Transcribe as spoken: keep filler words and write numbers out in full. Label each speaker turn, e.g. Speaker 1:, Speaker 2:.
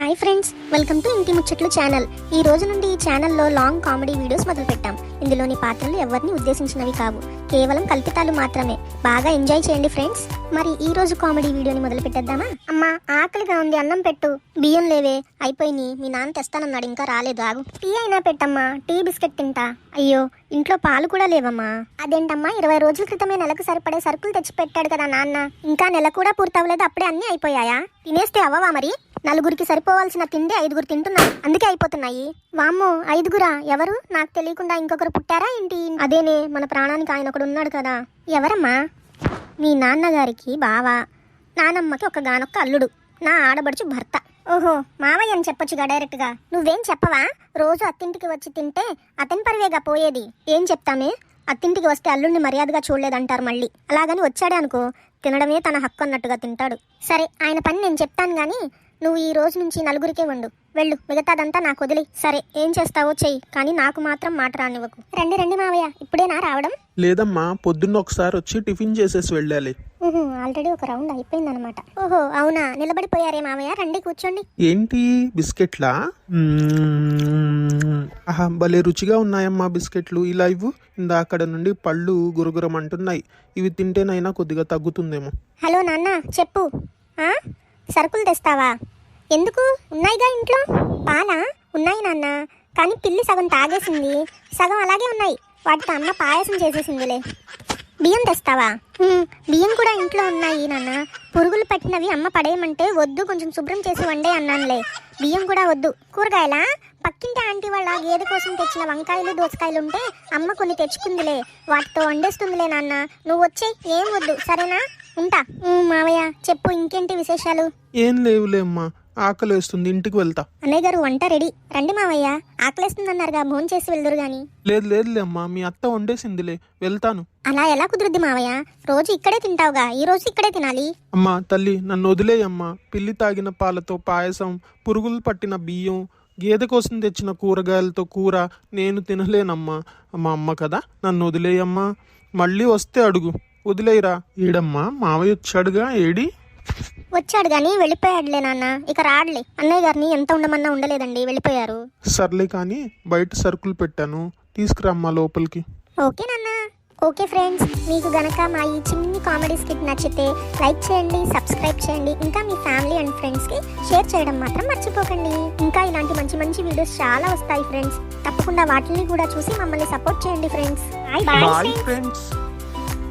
Speaker 1: Hi friends, welcome to ఇంటి ముచ్చట్లు channel. ఈ రోజు నుండి ఈ ఛానల్లో లాంగ్ కామెడీ వీడియోస్ మొదలు పెట్టాం. ఇందులోని పాత్రలు ఎవరిని ఉద్దేశించినవి కావు, కేవలం కల్పితాలు మాత్రమే. బాగా ఎంజాయ్ చేయండి ఫ్రెండ్స్. మరి ఈ రోజు కామెడీ వీడియోని మొదలు పెట్టేద్దామా? అమ్మా, ఆకలిగా ఉంది, అన్నం పెట్టు. బియ్యం లేవే, అయిపోయినాయి. మీ నాన్న తెస్తానన్నాడు, ఇంకా రాలేదు. ఆగు. టీ అయినా పెట్టమ్మా, టీ బిస్కెట్ తింటా. అయ్యో, ఇంట్లో పాలు కూడా లేవమ్మా. అదేంటమ్మా, ఇరవై రోజుల క్రితమే నెలకు సరిపడే సరుకులు తెచ్చి పెట్టాడు కదా నాన్న. ఇంకా నెల కూడా పూర్తవలేదు, అప్పుడే అన్నీ అయిపోయాయా? తినేస్తే అవ్వవా మరి? నలుగురికి సరిపోవాల్సిన తిండి ఐదుగురు తింటున్నారు, అందుకే అయిపోతున్నాయి. వామ్మో, ఐదుగురా? ఎవరు? నాకు తెలియకుండా ఇంకొకరు పుట్టారా ఏంటి? అదేనే, మన ప్రాణానికి ఆయన ఒకడు ఉన్నాడు కదా. ఎవరమ్మా? మీ నాన్నగారికి బావా, నానమ్మకి ఒక గానొక్క అల్లుడు, నా ఆడబడుచు భర్త. ఓహో, మావయ్య అని చెప్పొచ్చుగా డైరెక్ట్గా. నువ్వేం చెప్పవా? రోజు అత్తింటికి వచ్చి తింటే అతని పరివేగా పోయేది. ఏం చెప్తామే? అత్తింటికి వస్తే అల్లుడిని మర్యాదగా చూడలేదంటారు మళ్ళీ. అలాగని వచ్చాడే అనుకో, తినడమే తన హక్కు అన్నట్టుగా తింటాడు. సరే, ఆయన పని నేను చెప్తాను గాని నువ్వు ఈ రోజు నుంచి నలుగురికే వండు. వెళ్ళు, మిగతాదంతా నాకు వదిలి. సరే, ఏం చేస్తావో చెయ్యి, కానీ నాకు మాత్రం మాట రానివ్వకు. రండి రండి మావయ్య, ఇప్పుడేనా రావడం?
Speaker 2: లేదమ్మా, పొద్దున్న ఒకసారి వచ్చి టిఫిన్ చేసేసి వెళ్ళాలి.
Speaker 1: ఆల్రెడీ ఒక రౌండ్ అయిపోయిందనమాట. ఓహో, అవునా? నిలబడిపోయారే మావయ్య, రండి కూర్చోండి.
Speaker 2: ఏంటి బిస్కెట్లా? మ్మ్. ఆహా, భలే రుచిగా ఉన్నాయమ్మా బిస్కెట్లు. ఇలా ఇవ్వు. ఇందాకడ నుండి పళ్ళు గురుగురం అంటున్నాయి. ఇవి తింటేనైనా కొద్దిగా తగ్గుతుందేమో.
Speaker 1: హలో నాన్న, చెప్పు. ఆ సరుకులు తెస్తావా? ఎందుకు? ఉన్నాయిగా ఇంట్లో. పాలా? ఉన్నాయి నాన్న, కానీ పిల్లి సగం తాగేసింది, సగం అలాగే ఉన్నాయి. వాటితో అమ్మ పాయసం చేసేసిందిలే. బియ్యం తెస్తావా? బియ్యం కూడా ఇంట్లో ఉన్నాయి నాన్న. పురుగులు పట్టినవి అమ్మ పడేయమంటే వద్దు, కొంచెం శుభ్రం చేసి వండే అన్నానులే. బియ్యం కూడా వద్దు. కూరగాయలా? పక్కింటి ఆంటీ వాళ్ళ గేదె కోసం తెచ్చిన వంకాయలు దోసకాయలు ఉంటే అమ్మ కొన్ని తెచ్చుకుందిలే, వాటితో వండేస్తుందిలే నాన్న. నువ్వు వచ్చే, ఏం వద్దు, సరేనా? ఉంటా. మావయ్య చెప్పు, ఇంకేంటి విశేషాలు?
Speaker 2: ఏం లేవులే అమ్మా, ఆకలి వేస్తుంది, ఇంటికి వెళ్తా.
Speaker 1: అన్నయ్య గారు వంట రెడీ. రండి మావయ్య, ఆకలేస్తుంది అన్నారుగా, భోన్ చేసి వెళ్దురు గాని.
Speaker 2: లేదు లేదులే అమ్మా, మీ అత్త వండేసిందిలే, వెళ్తాను.
Speaker 1: అలా ఎలా కుదురుద్ది మావయ్య? రోజు ఇక్కడే తింటావుగా, ఈ రోజు ఇక్కడే తినాలి.
Speaker 2: అమ్మా తల్లి, నన్ను వదిలేయమ్మా. పిల్లి తాగిన పాలతో పాయసం, పురుగులు పట్టిన బియ్యం, గేదె కోసం తెచ్చిన కూరగాయలతో కూర నేను తినలేనమ్మా. మా అమ్మ కదా, నన్ను వదిలేయమ్మా. మళ్ళీ వస్తే అడుగు, వదిలేయరా. ఏడమ్మా, మావయ్య వచ్చాడుగా, ఏడి?
Speaker 1: వచ్చాడు గాని వెళ్ళిపోయాడులే నాన్న, ఇక రాడులే. అన్నయ్య గారిని ఎంత ఉండమన్నా ఉండలేదండి, వెళ్ళిపోయారు.
Speaker 2: సర్లే కానీ బయట సరుకులు పెట్టాను, తీసుకురమ్మా లోపలికి.
Speaker 1: ఓకే నాన్న. ఓకే ఫ్రెండ్స్, మీకు గనక మా ఈ చిన్ని కామెడీ స్కిట్ నచ్చితే లైక్ చేయండి, సబ్స్క్రైబ్ చేయండి, ఇంకా మీ ఫ్యామిలీ అండ్ ఫ్రెండ్స్కి షేర్ చేయడం మాత్రం మర్చిపోకండి. ఇంకా ఇలాంటి మంచి మంచి వీడియోస్ చాలా వస్తాయి ఫ్రెండ్స్, తప్పకుండా వాటిని కూడా చూసి మమ్మల్ని సపోర్ట్ చేయండి ఫ్రెండ్స్. Bye
Speaker 2: bye friends.